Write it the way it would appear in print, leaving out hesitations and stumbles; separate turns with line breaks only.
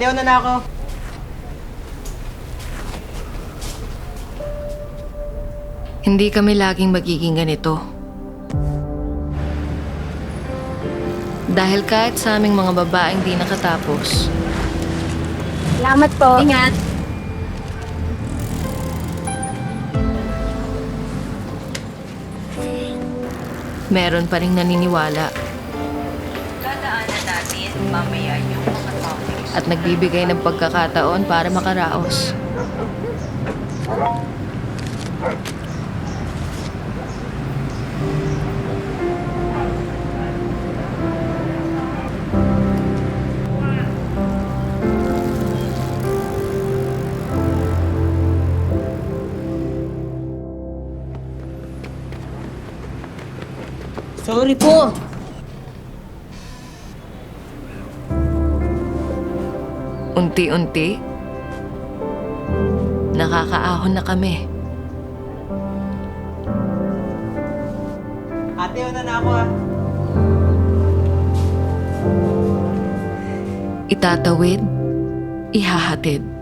Ate, una na ako.
Hindi kami laging magiging ganito. Dahil kahit sa aming mga babaeng di nakatapos,
Salamat po. Ingat.
meron pa ring naniniwala
Dadaanan natin mamaya yung mga topics.
at nagbibigay ng pagkakataon para makaraos.
Sorry po.
Unti-unti, nakakaahon na kami.
Ate, una na ako ah.
Itatawid, ihahatid.